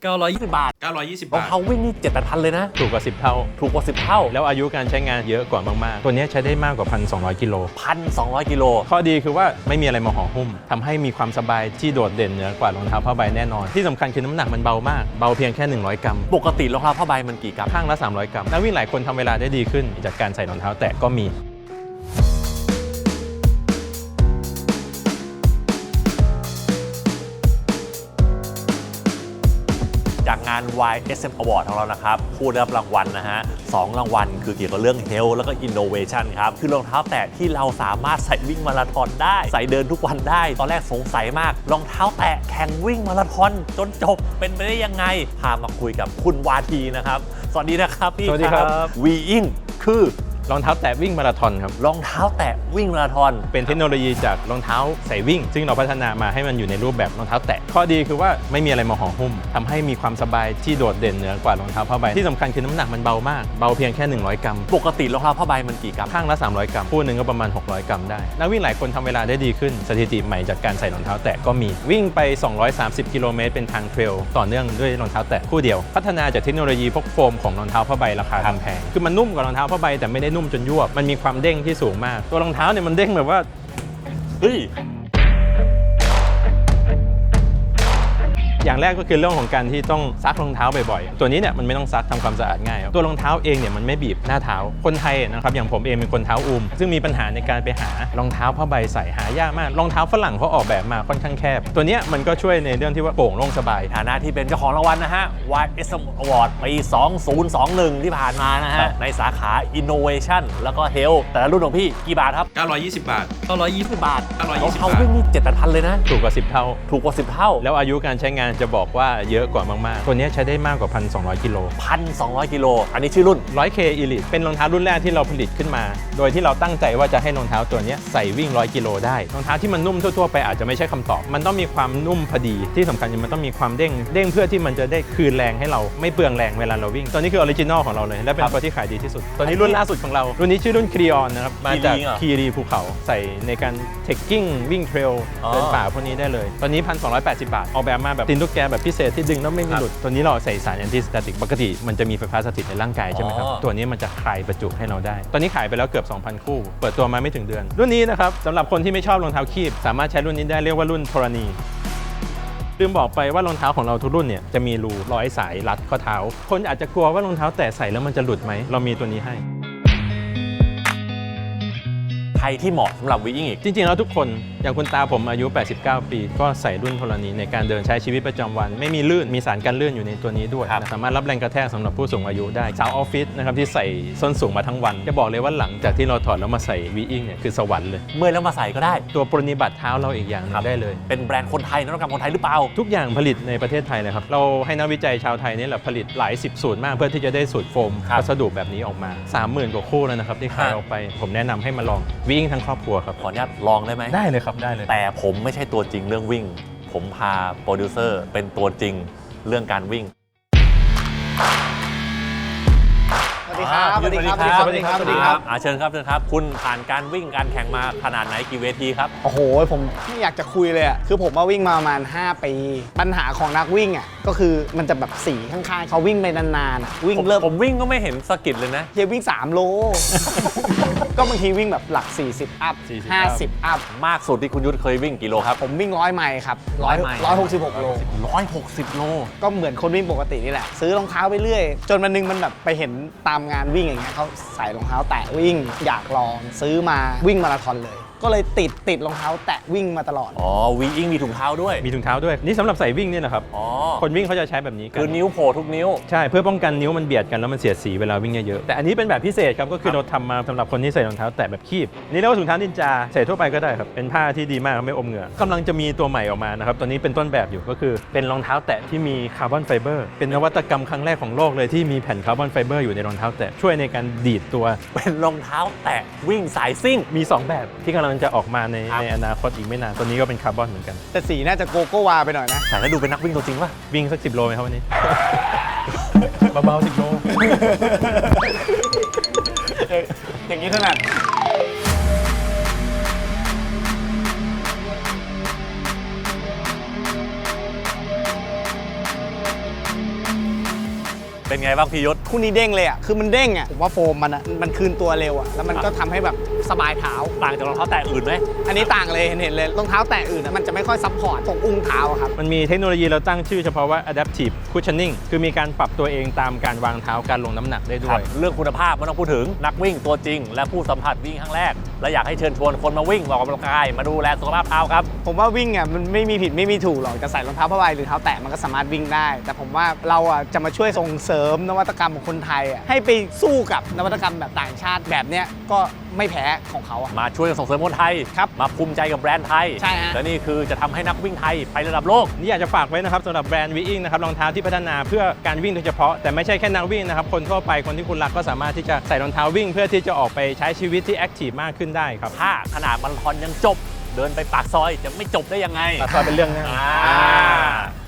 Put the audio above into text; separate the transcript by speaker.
Speaker 1: 920 บาท
Speaker 2: 920
Speaker 1: รอง
Speaker 2: บาท
Speaker 1: เท้าวิ่งนี่7-8,000เลยนะ
Speaker 3: ถูกกว่า10 เท่า
Speaker 1: ถูกกว่า10 เท่า
Speaker 3: แล้วอายุการใช้งานเยอะกว่ามากๆตัวนี้ใช้ได้มากกว่า 1,200 กิโล
Speaker 1: 1,200 กิโล
Speaker 3: ข้อดีคือว่าไม่มีอะไรมาห่อหุ้มทำให้มีความสบายที่โดดเด่นเหนือกว่ารองเท้าผ้าใบแน่นอนที่สำคัญคือน้ำหนักมันเบามากเบาเพียงแค่100 กรัม
Speaker 1: ปกติรองเท้าผ้าใบมันกี่กรัม
Speaker 3: ข้างละ300 กรัมนักวิ่งหลายคนทำเวลาได้ดีขึ้นจากการใส่รองเท้าแตะก็มี
Speaker 1: จากงาน YSM Award ของเรานะครับผู้ได้รับรางวัลนะฮะ2รางวัลคือเกี่ยวกับเรื่อง Health แล้วก็ Innovation ครับคือรองเท้าแตะที่เราสามารถใส่วิ่งมาราธอนได้ใส่เดินทุกวันได้ตอนแรกสงสัยมากรองเท้าแตะแข่งวิ่งมาราธอนจนจบเป็นไปได้ยังไงพามาคุยกับคุณวาทีนะครับสวัสดีนะครับพี่
Speaker 3: สวัสดีครับ
Speaker 1: Weing คือ
Speaker 3: รองเท้าแตะวิ่งมาราธอนครับ
Speaker 1: รองเท้าแตะวิ่งมาราธอน
Speaker 3: เป็นเทคโนโลยีจากรองเท้าใส่วิ่งซึ่งเราพัฒนามาให้มันอยู่ในรูปแบบรองเท้าแตะข้อดีคือว่าไม่มีอะไรมาห่อหุ้มทำให้มีความสบายที่โดดเด่นเหนือกว่ารองเท้าผ้าใบที่สำคัญคือน้ำหนักมันเบามากเบาเพียงแค่100 กรัม
Speaker 1: ปกติรองเท้าผ้าใบมันกี่กรัม
Speaker 3: ข้างละ300 กรัมคู่หนึ่งก็ประมาณ600 กรัมได้นักวิ่งหลายคนทำเวลาได้ดีขึ้นสถิติใหม่จากการใส่รองเท้าแตะก็มีวิ่งไป230 กิโลเมตรเป็นทางเทรลต่อเนื่องด้วยรองเท้าแตะคู่เดียวพัฒนาจากเทคโนโลยีพวกโฟมของรองเท้าผ้าใบราคาแพงคือมันนุ่มกว่ารองเท้าผ้าใบแต่ไม่ได้นุ่มจนยวบมันมีความเด้งที่สูงมากตัวรองเท้าเนี่ยมันเด้งแบบว่า
Speaker 1: เฮ้ย
Speaker 3: อย่างแรกก็คือเรื่องของการที่ต้องซักรองเท้าบ่อยๆตัวนี้เนี่ยมันไม่ต้องซักทำความสะอาดง่ายตัวรองเท้าเองเนี่ยมันไม่บีบหน้าเท้าคนไทยนะครับอย่างผมเองเป็นคนเท้าอุ้มซึ่งมีปัญหาในการไปหารองเท้าผ้าใบใส่หายากมากรองเท้าฝรั่งเขาออกแบบมาค่อนข้างแคบตัวนี้มันก็ช่วยในเรื่องที่ว่าโปร่งโล่งสบาย
Speaker 1: ฐานะที่เป็นเจ้าของรางวัลนะฮะ YSM Award ปี 2021 ที่ผ่านมานะฮะในสาขา Innovation แล้วก็ Health แต่ละรุ่นของพี่กี่บาทครับ
Speaker 2: 920 บาท
Speaker 1: 920 บาทรอง
Speaker 2: 920
Speaker 1: เท้า
Speaker 2: บาท
Speaker 1: วิ่งนี่7-8,000เลยนะ
Speaker 3: ถูกกว่า10 เท่า
Speaker 1: ถูกกว่า10 เท่า
Speaker 3: แล้วอายุการใช้งานจะบอกว่าเยอะกว่ามากๆตัวนี้ใช้ได้มากกว่า 1,200 กิโล
Speaker 1: 1,200 กิโลอันนี้ชื่อรุ่น
Speaker 3: 100K Elite เป็นรองเท้ารุ่นแรกที่เราผลิตขึ้นมาโดยที่เราตั้งใจว่าจะให้รองเท้าตัวนี้ใส่วิ่ง100 กิโลได้รองเท้าที่มันนุ่มทั่วๆไปอาจจะไม่ใช่คำตอบมันต้องมีความนุ่มพอดีที่สำคัญมันต้องมีความเด้งเพื่อที่มันจะได้คืนแรงให้เราไม่เปลืองแรงเวลาเราวิ่งตัวนี้คือออริจินอลของเราเลยและเป็นตัวที่ขายดีที่สุดตัวนี้รุ่นล่าสุดของเรารุ่นนี้ชื่อรุ่นครีออนนะครับมาจากคีรีภูเขาใส่ในการเทคกิ้งวิ่งเทรลเดินป่าพวกนี้ได้เลยตอนนี้ 1,280 บาทออกแบบมาแบบตีนตุ๊กแกแบบพิเศษที่ดึงแล้วไม่มีหลุดตัวนี้เราใส่สารแอนตี้สแตติกปกติมันจะมีไฟฟ้าสถิตในร่างกายใช่ไหมครับตัวนี้มันจะคลายประจุให้เราได้ตอนนี้ขายไปแล้วเกือบ 2,000 คู่เปิดตัวมาไม่ถึงเดือนรุ่นนี้นะครับสำหรับคนที่ไม่ชอบรองเท้าคีบสามารถใช้รุ่นนี้ได้เรียกว่ารุ่นธรณีลืมบอกไปว่ารองเท้าของเราทุกรุ่นเนี่ยจะมีรูร้อยสายรัดข้อเท้าคนอาจจะกลัวว่ารองเท้าแตะใส่แล้วมันจะหลุดไหมเรามีตัวนี้ให้
Speaker 1: ใครที่เหมาะสำหรับวิ่งอีก
Speaker 3: จริงๆแล้วทุกคนอย่างคุณตาผมอายุ89 ปีก็ใส่รุ่นธรณีในการเดินใช้ชีวิตประจำวันไม่มีลื่นมีสารกันลื่นอยู่ในตัวนี้ด้วยสามารถรับแรงกระแทกสำหรับผู้สูงอายุได้สาวออฟฟิศนะครับที่ใส่ส้นสูงมาทั้งวันจะบอกเลยว่าหลังจากที่เราถอดแล้วมาใส่วิ่งเนี่ยคือสวรรค์เลย
Speaker 1: เมื่อแล้วมาใส่ก็ได้
Speaker 3: ตัวปรนนิบัติเท้าเราอีกอย่างนึงได้เลย
Speaker 1: เป็นแบรนด์คนไทยนวัตกรรมคนไทยหรือเปล่า
Speaker 3: ทุกอย่างผลิตในประเทศไทยเลยครับเราให้นักวิจัยชาวไทยนี่แหละผลิตหลาย10 สูตรมากเพื่อที่จะได้สูตรโฟมวัสดุแบบนี้ออกมา 30,000 กว่าคู่แล้วนะครับที่ขายออกไปผมแนะนำให้มาลองวิ่งทั้งครอบครัวครับ
Speaker 1: ขออนุญาตลองได้ไหม
Speaker 3: ได้เลยครับได้เลย
Speaker 1: แต่ผมไม่ใช่ตัวจริงเรื่องวิ่งผมพาโปรดิวเซอร์เป็นตัวจริงเรื่องการวิ่ง
Speaker 4: สวัสดีครับ
Speaker 1: สวัสดีครับเชิญครับคุณผ่านการวิ่งการแข่งมาขนาดไหนกี่เวทีครับ
Speaker 4: โอ้โหผมไม่อยากจะคุยเลยอ่ะคือผมมาวิ่งมาประมาณ5 ปีปัญหาของนักวิ่งอ่ะก็คือมันจะแบบสีข้างๆเขาวิ่งไปนานๆวิ่งเริ่ม
Speaker 1: ผมวิ่งก็ไม่เห็นสะกิดเลยนะ
Speaker 4: เฮียวิ่ง3 โล ก็บางทีวิ่งแบบหลัก40 อัพ 50 อัพ
Speaker 1: มากสุดที่คุณยุทธเคยวิ่งกี่โลครับ
Speaker 4: ผมวิ่ง100 ไมล์ครับ166 โล
Speaker 1: 160 โล
Speaker 4: ก็เหมือนคนวิ่งปกตินี่แหละซื้อรองเท้าไปเรื่อยจนวันนึงมันแบบไปเห็นตามงานวิ่งอย่างเงี้ยเขาใส่รองเท้าแตะวิ่งอยากลองซื้อมาวิ่งมาราธอนเลยก็เลยติดรองเท้าแตะวิ่งมาตลอด
Speaker 1: วิ่งมีถุงเท้าด้วย
Speaker 3: นี่สำหรับใส่วิ่งเนี่ยนะครับคนวิ่งเขาจะใช้แบบนี้
Speaker 1: คือนิ้วโผล่ทุกนิ้ว
Speaker 3: ใช่เพื่อป้องกันนิ้วมันเบียดกันแล้วมันเสียดสีเวลาวิ่งเยอะๆแต่อันนี้เป็นแบบพิเศษครับก็คือเราทำมาสำหรับคนที่ใส่รองเท้าแตะแบบคีบนี่เรียกว่าถุงเท้านินจาใส่ทั่วไปก็ได้ครับเป็นผ้าที่ดีมากไม่อมเหงื่อกำลังจะมีตัวใหม่ออกมานะครับตัวนี้เป็นต้นแบบอยู่ก็คือเป็นรองเท้าแตะที่มีคาร์บอนไฟเบอร์เป็นนวัตกรรมครั้งแรกของโลกเลยที่มีแผ่นคาร์บอนไฟเบอร์อยู่ในรองเท้าแตะช่วยในการดีดตัว
Speaker 1: เป็นรองเท้าแตะวิ่งสายซิ่ง
Speaker 3: มี2แบบที่กำลังจะออกมาในอนาคตอีกไม่นานตัวนี้ก็เป็นคาร์บอนเหมือนกัน
Speaker 4: แต่สีน่าจะโกโก้วาไปหน่อยนะ
Speaker 1: แต่แล้วดูเป็นนักวิ่งตัวจริงป่ะ
Speaker 3: วิ่งสัก10 โลไหมครับวันนี้ เบาๆ10 โล
Speaker 4: อย่างนี้ถนัด
Speaker 1: เป็นไงบ้างพี่ยศ
Speaker 4: คู่นี้เด้งเลยอ่ะคือมันเด้งอ่ะผมว่าโฟมมันคืนตัวเร็วอ่ะแล้วมันก็ทำให้แบบสบายเท้า
Speaker 1: ต่างจากรองเท้าแตะอื่นไหม
Speaker 4: อันนี้ต่างเลยเห็นเลยรองเท้าแตะอื่นอะมันจะไม่ค่อยซัพพอร์ตตรงอุ้งเท้าอะครับ
Speaker 3: มันมีเทคโนโลยีเราตั้งชื่อเฉพาะว่า adaptive cushioning คือมีการปรับตัวเองตามการวางเท้าการลงน้ำหนักได้ด้
Speaker 1: ครั
Speaker 3: ว
Speaker 1: บ
Speaker 3: ย
Speaker 1: เรื่องคุณภาพไม่ต้องพูดถึงนักวิ่งตัวจริง และผู้สัมผัสวิ่งครั้งแรก และอยากให้เชิญชวนคนมาวิ่งออกกำลังกายมาดูแลสุขภาพเท้าครับ
Speaker 4: ผมว่าวิ่งอ่ะมันไม่มีผิดไม่มีถูกหรอกจะใส่รองเท้าผ้าใบหรือเท้าแตะมันก็สามารถวิ่งได้ แต่ผมว่าเราอ่ะจะมาช่วยส่งเสริมนวัตกรรมของคนไทยอ่ะให้ไปสู้กับนวัตกรรมแบบต่างชาติแบบเนี้ยก็ไม่แพ้ของเขาอ่ะ
Speaker 1: มาช่วยส่งเสริมคนไทย
Speaker 4: ครับ
Speaker 1: มาภูมิใจกับแบรนด์ไทย
Speaker 4: ใช่ฮะ
Speaker 1: และนี่คือจะทำให้นักวิ่งไทยไประดับโลก
Speaker 3: นี่อยากจะฝากไว้นะครับสำหรับแบรนด์วีอิงนะครับรองเท้าที่พัฒนาเพื่อการวิ่งโดยเฉพาะแต่ไม่ใช่แค่นักวิ่งนะครับคนทั่วไปคนที่คุณรักก็สามารถที่จะใส่รองเท้าวิ่งเพื่อที่จะออกไปใช้ชีวิตที่แอคทีฟมากขึ้นได้ครับ
Speaker 1: ถ้าขนาดมาราธอนยังจบ เดินไปปากซอยจะไม่จบได้ยังไง
Speaker 3: ตัดซอยเป็นเรื่องง่าย
Speaker 1: อ่า